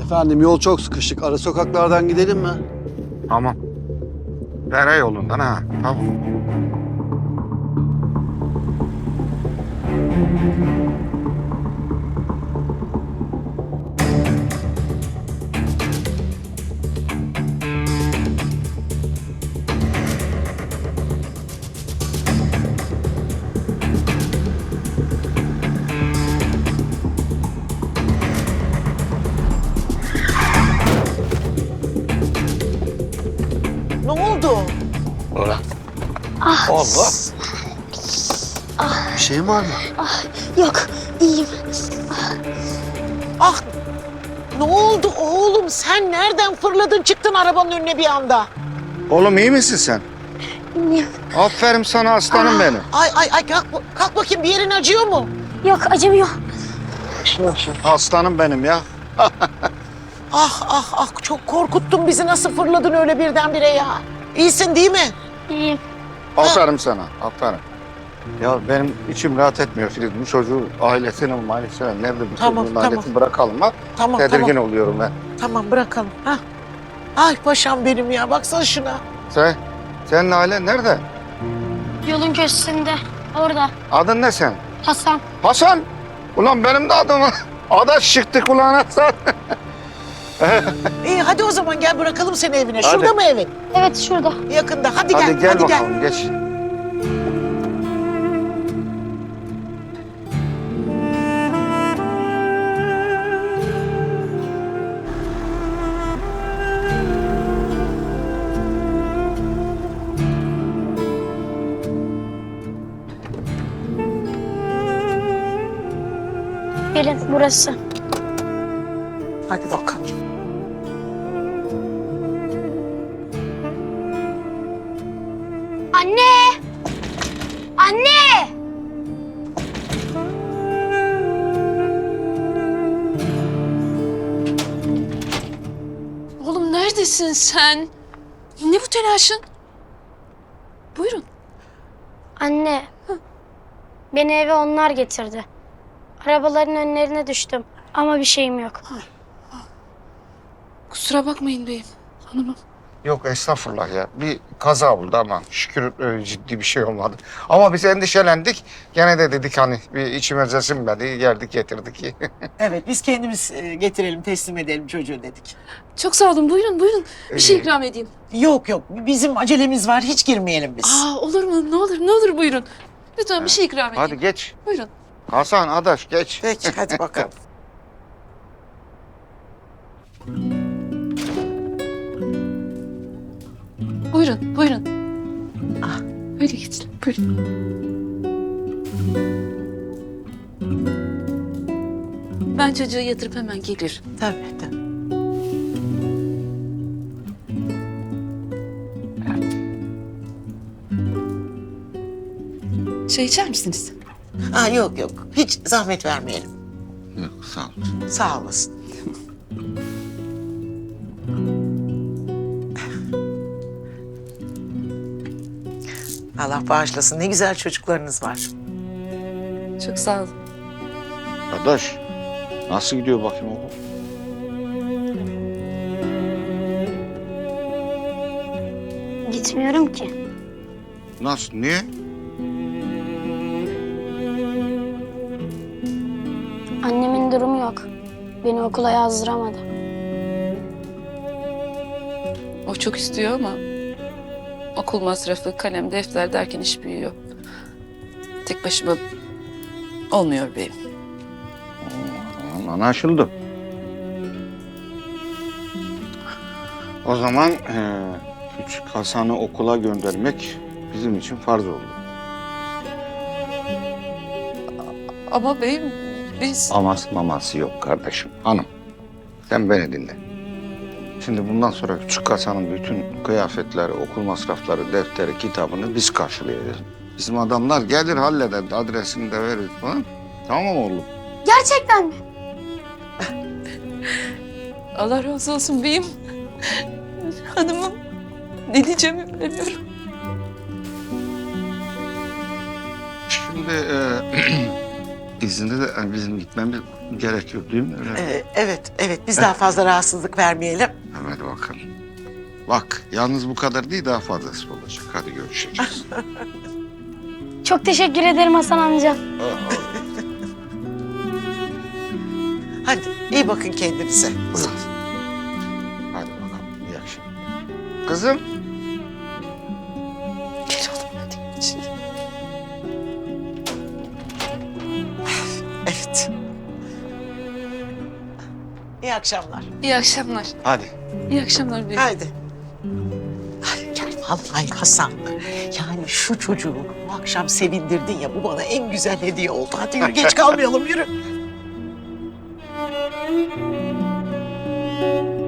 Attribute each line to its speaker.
Speaker 1: Efendim yol çok sıkışık. Ara sokaklardan gidelim mi?
Speaker 2: Tamam. Dere yolundan ha. Tamam.
Speaker 3: Ne oldu?
Speaker 2: Ulan.
Speaker 1: Allah. Bir şey mi var mı?
Speaker 4: Yok, iyiyim.
Speaker 3: Ah! Ne oldu oğlum? Sen nereden fırladın çıktın arabanın önüne bir anda?
Speaker 2: Oğlum iyi misin sen?
Speaker 4: İyiyim.
Speaker 2: Aferin sana aslanım benim.
Speaker 3: Ay kalk bakayım, bir yerin acıyor mu?
Speaker 4: Yok, acımıyor.
Speaker 2: Aslanım benim ya.
Speaker 3: Ah çok korkuttun bizi, nasıl fırladın öyle birdenbire ya? İyisin değil mi?
Speaker 4: İyiyim.
Speaker 2: Aferin sana. Aferin. Ya benim içim rahat etmiyor Filiz. Bu çocuğu ailesine nerede bu
Speaker 3: Tamam,
Speaker 2: çocuğun
Speaker 3: tamam.
Speaker 2: ailesini bırakalım ha.
Speaker 3: Tamam
Speaker 2: Tedirgin oluyorum ben.
Speaker 3: Tamam bırakalım. Ha. Ay paşam benim ya, baksana şuna.
Speaker 2: Senin ailen nerede?
Speaker 4: Yolun köşesinde, orada.
Speaker 2: Adın ne sen?
Speaker 4: Hasan.
Speaker 2: Hasan. Ulan benim de adım Adaş çıktı kulağına sen.
Speaker 3: İyi hadi o zaman gel bırakalım seni evine.
Speaker 2: Hadi.
Speaker 3: Şurada mı evin?
Speaker 4: Evet, şurada.
Speaker 3: Yakında. Hadi
Speaker 2: Hadi
Speaker 3: gel.
Speaker 2: gel
Speaker 3: Hadi
Speaker 2: bakalım geç.
Speaker 4: Gelin, burası.
Speaker 3: Hadi bakalım.
Speaker 4: Anne! Anne!
Speaker 5: Oğlum neredesin sen? Ne bu telaşın? Buyurun.
Speaker 4: Anne, beni eve onlar getirdi. Arabaların önlerine düştüm ama bir şeyim yok.
Speaker 5: Kusura bakmayın beyim, hanımım.
Speaker 2: Yok estağfurullah ya. Bir kaza oldu ama şükür ciddi bir şey olmadı. Ama biz endişelendik. Gene de dedik hani bir içimize sinmedi. Geldik getirdik.
Speaker 3: Evet biz kendimiz getirelim, teslim edelim çocuğu dedik.
Speaker 5: Çok sağ olun, buyurun buyurun. Bir şey
Speaker 2: İyi.
Speaker 5: ikram edeyim.
Speaker 3: Yok bizim acelemiz var, hiç girmeyelim biz.
Speaker 5: Olur mu? Ne olur buyurun. Lütfen bir şey ikram edeyim.
Speaker 2: Hadi geç.
Speaker 5: Buyurun.
Speaker 2: Hasan, Adaş geç.
Speaker 3: Peki hadi bakalım.
Speaker 5: Buyurun. Öyle geçin, buyurun. Ben çocuğu yatırıp hemen gelirim.
Speaker 3: Tabii.
Speaker 5: Çay içer misiniz?
Speaker 3: Yok hiç zahmet vermeyelim.
Speaker 2: Yok sağ ol.
Speaker 3: Sağ olasın. Allah bağışlasın, ne güzel çocuklarınız var.
Speaker 5: Çok sağ olun.
Speaker 2: Adaş nasıl gidiyor bakayım okul?
Speaker 4: Gitmiyorum ki.
Speaker 2: Nasıl? Niye?
Speaker 4: Annemin durumu yok. Beni okula yazdıramadı.
Speaker 5: O çok istiyor ama okul masrafı, kalem, defter derken iş büyüyor. Tek başıma olmuyor beyim.
Speaker 2: Anlaşıldı. O zaman küçük Hasan'ı okula göndermek bizim için farz oldu.
Speaker 5: Ama beyim biz...
Speaker 2: Aması maması yok kardeşim. Hanım sen beni dinle. Şimdi bundan sonra küçük Hasan'ın bütün kıyafetleri, okul masrafları, defteri, kitabını biz karşılayacağız. Bizim adamlar gelir halleder, adresini de verir falan. Tamam mı oğlum?
Speaker 4: Gerçekten mi?
Speaker 5: Allah razı olsun beyim. Hanımım, ne diyeceğimi bilemiyorum.
Speaker 2: Şimdi izninde de hani bizim gitmemiz gerekiyor değil mi? Öyle.
Speaker 3: Evet. Biz daha fazla rahatsızlık vermeyelim.
Speaker 2: Hadi bakalım. Bak yalnız bu kadar değil daha fazlası olacak. Hadi görüşeceğiz.
Speaker 4: Çok teşekkür ederim Hasan amca.
Speaker 3: Hadi iyi bakın kendinize.
Speaker 2: Hadi bakalım. İyi akşamlar. Kızım.
Speaker 3: Gel oğlum hadi. Evet. İyi akşamlar.
Speaker 5: İyi akşamlar.
Speaker 2: Hadi.
Speaker 5: İyi akşamlar büyük.
Speaker 3: Haydi. Ay, gel vallahi Hasan. Yani şu çocuğu bu akşam sevindirdin ya, bu bana en güzel hediye oldu. Hadi yürü, geç kalmayalım, yürü.